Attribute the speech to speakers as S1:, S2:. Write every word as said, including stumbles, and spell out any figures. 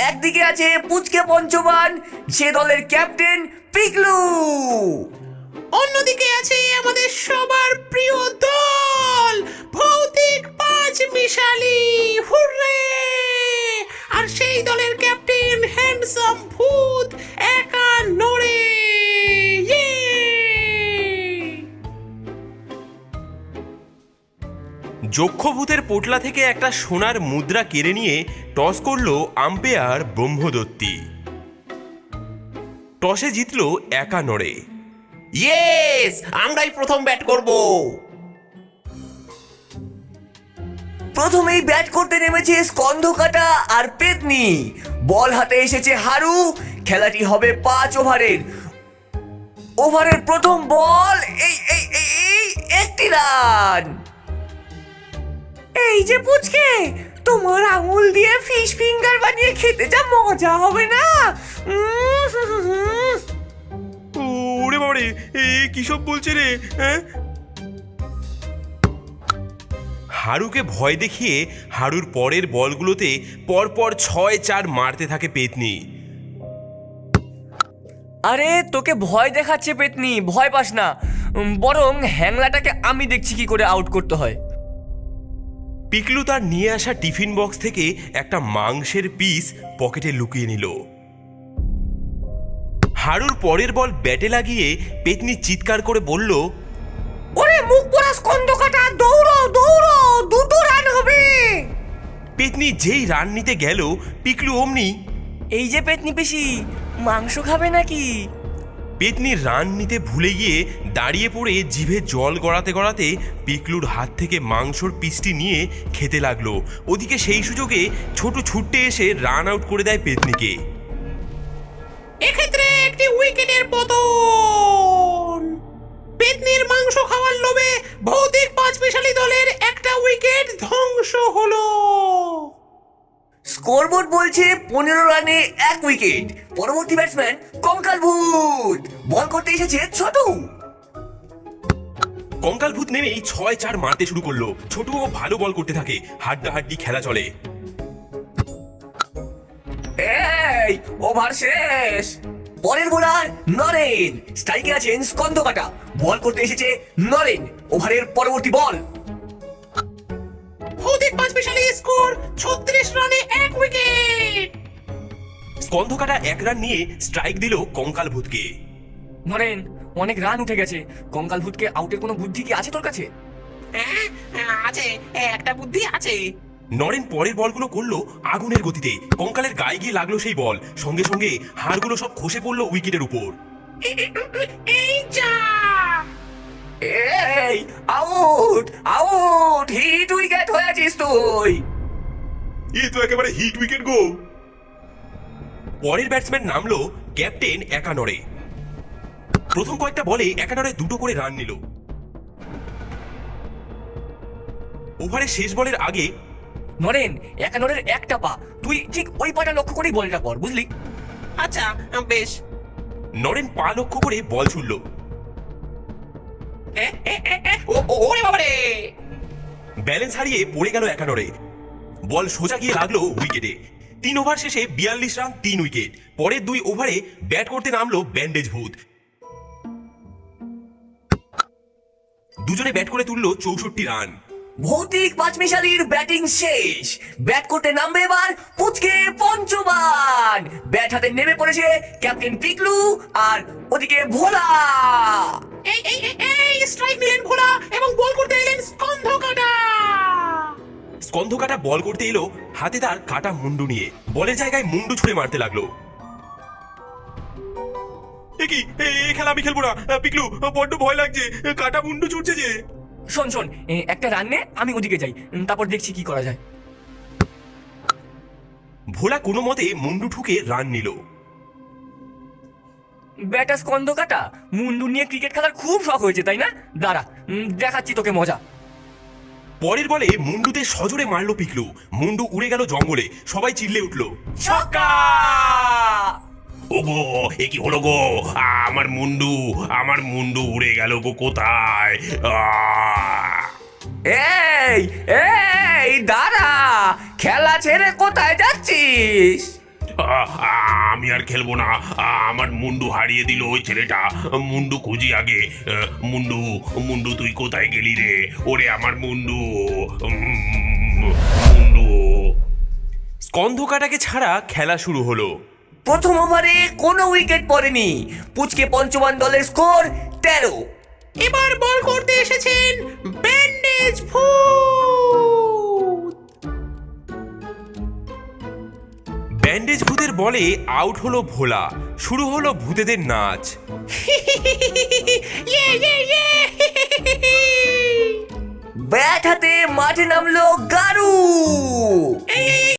S1: একদিকে আছে পুচকে পঞ্চবান, সে দলের ক্যাপ্টেন পিকলু।
S2: অন্যদিকে আছে আমাদের সবার প্রিয় দল ভৌতিক পাঁচ মিশালি। হুররে! আর সেই দলের ক্যাপ্টেন হ্যান্ডসাম ভূত একা নড়ে। ইয়ে!
S3: যক্ষভূতের পোটলা থেকে একটা সোনার মুদ্রা কেড়ে নিয়ে টস করলো আম্পায়ার ব্রহ্মদত্তি। টসে জিতলো একা নড়ে।
S2: ইয়েস, আমরাই প্রথম ব্যাট করব।
S1: প্রথমেই ব্যাট করতে নেমেছে স্কন্ধকাটা আর পেতনি। বল হাতে এসেছে হারু। খেলাটি হবে পাঁচ ওভারের। ওভারের প্রথম বল, এই এই এই এই একটি রান। এই যে পুচকে, তোমার আঙুল দিয়ে ফিশ ফিঙ্গার বানিয়ে খেতে যা মজা হবে না। উম হুম হুম হুম।
S3: ওরে বাবারে, এ কি সব বলছে রে? হ্যাঁ, হারুকে ভয় দেখিয়ে হারুর পরের বলগুলোতে পরপর ছয় চার মারতে থাকে পেতনি।
S1: আরে তোকে ভয় দেখাচ্ছে পেতনি, ভয় পাস না। উম, বরং হ্যাংলাটাকে আমি দেখছি কি করে আউট করতে হয়।
S3: পিকলু তার নিয়ে আসা টিফিন বক্স থেকে একটা মাংসের পিস পকেটে লুকিয়ে নিল। হারুর পরের বল ব্যাটে লাগিয়ে পেতনি চিৎকার করে বলল,
S1: ওরে মুখ পোড়া স্কন্ধকাটা, দৌড়ো দৌড়ো, দুটো রান হবে।
S3: পেতনি যেই রান নিতে গেল, পিকলু অমনি,
S1: এই যে পেতনি পিসি, মাংস খাবে নাকি?
S3: পেতনি রান নিতে ভুলে গিয়ে দাঁড়িয়ে পড়ে জিভে জল গড়াতে গড়াতে পিকলুর হাত থেকে মাংসর পিসটি নিয়ে খেতে লাগলো। ওদিকে সেই সুযোগে ছোট ছুট্টে এসে রান আউট করে দেয় পেতনিকে।
S2: এক্ষেত্রে একটি উইকেটের পতন। পেতনির মাংস খাওয়ার লোভে ভৌতিক পাঁচ মিশালি দলের একটা উইকেট ধ্বংস হলো।
S1: স্কোরবোর্ড বলছে পনেরো রানে এক উইকেট। পরবর্তী ব্যাটসম্যান কঙ্কাল ভূত। বল করতে এসেছে ছোটু।
S3: কঙ্কাল ভূত নেমেই ছয় চার মারতে শুরু করলো। ছোটুও ভালো বল করতে থাকে। হাড্ডাহাড্ডি খেলা চলে।
S1: এই ওভার শেষ। পরের বোলার নরেন, স্ট্রাইকে আছেন স্কন্ধকাটা। বল করতে এসেছে নরেন। ওভারের পরবর্তী বল।
S2: ভৌতিক পাঁচ মিশালি স্কোর ছত্রিশ রানে এক উইকেট।
S3: স্কন্ধকাটা এক রান নিয়ে স্ট্রাইক দিল কঙ্কাল ভূতকে।
S1: নরেন, অনেক রান উঠে গেছে। কঙ্কাল ভূতকে আউটের কোনো বুদ্ধি কি আছে তোর কাছে?
S2: হ্যাঁ, আছে, একটা বুদ্ধি আছে।
S3: নরেন পরের বলগুলো করলো আগুনের গতিতে। কঙ্কালের গায়ে গিয়ে লাগলো সেই বল। সঙ্গে সঙ্গে হাড়গুলো সব খসে পড়লো উইকেটের উপর।
S2: এই যা!
S1: এই আউট আউট, হিট উইকেট হয়েছিস তুই।
S3: এ তো একেবারে হিট উইকেট গো। পরের ব্যাটসম্যান নামলো ক্যাপ্টেন একানরে। প্রথম কয়েকটা বলে একানরে দুটো করে রান নিল। ওভারের শেষ বলের আগে,
S1: নরেন, একানোরের একটা পা, তুই ঠিক ওই পাটা লক্ষ্য করেই বলটা কর, বুঝলি?
S2: আচ্ছা, বেশ।
S3: নরেন পা লক্ষ্য করে বল ছুড়ল।
S2: এ, এ, এ, এ, ও, ও, ওরে বাবারে!
S3: ব্যালেন্স হারিয়ে পড়ে গেল একানরে। বল সোজা গিয়ে লাগলো উইকেটে। তিন ওভার শেষে বিয়াল্লিশ রান, তিন উইকেট। পরের দুই ওভারে ব্যাট করতে নামলো ব্যান্ডেজ ভূত। দুজনে ব্যাট করে তুললো চৌষট্টি রান।
S1: ভৌতিক পাঁচমিশালির ব্যাটিং শেষ। ব্যাট করতে নামবে এবার পুচকে পঞ্চবান। ব্যাট হাতে নেমে পড়েছে ক্যাপ্টেন পিকলু আর ওদিকে ভোলা।
S2: এই এই এই, এই স্ট্রাইক নিলেন ভোলা এবং বল করতে এলেন স্কন্ধকাটা।
S3: স্কন্ধকাটা বল করতে এলো হাতে তার কাটা মুন্ডু নিয়ে। বলের জায়গায় মুন্ডু ছুঁড়ে মারতে লাগলো। এ কি, এই খেলা আমি খেলবো না। পিকলু, বড্ড ভয় লাগছে। কাটা মুন্ডু ছুটছে যে।
S1: শোন শোন, এ, একটা রান নে, আমি ওদিকে যাই, উম, তারপর দেখছি কি করা যায়।
S3: ভোলা কোনো মতে মুন্ডু ঠুকে রান নিল।
S1: ব্যাটার স্কন্ধকাটা, মুন্ডু নিয়ে ক্রিকেট খেলার খুব শখ হয়েছে তাই না? দাঁড়া, উম, দেখাচ্ছি তোকে মজা।
S3: পরের বলে মুন্ডুতে সজোরে মারলো পিকলু। মুন্ডু উড়ে গেল জঙ্গলে। সবাই চিল্লে উঠলো,
S1: ছক্কা!
S3: ওগো, এ কি হলো গো? আমার মুন্ডু, আমার মুন্ডু উড়ে গেল গো কোথায়?
S1: এই এই দাঁড়া, খেলা ছেড়ে কোথায় যাচ্ছিস?
S4: আ- আ- আমি আর খেলবো না। আ- আমার মুন্ডু হারিয়ে দিল ওই ছেলেটা। মুন্ডু খুঁজি আগে। আ, মুন্ডু মুন্ডু তুই কোথায় গেলি রে? ওরে আমার মুন্ডু, উম, মুন্ডু।
S3: স্কন্ধকাটাকে ছাড়া খেলা শুরু হলো।
S1: প্রথম ওভারে কোনো উইকেট পড়েনি। পুচকে পঞ্চমান দলের স্কোর তেরো।
S2: এবার বল করতে এসেছেন ব্যান্ডেজ ভূত।
S3: ব্যান্ডেজ ভূতের বলে আউট হলো ভোলা। শুরু হলো ভূতেদের নাচ।
S2: ইয়ে ইয়ে ইয়ে
S1: ব্যাট হাতে মাঠে নামলো গারু।
S2: এই এই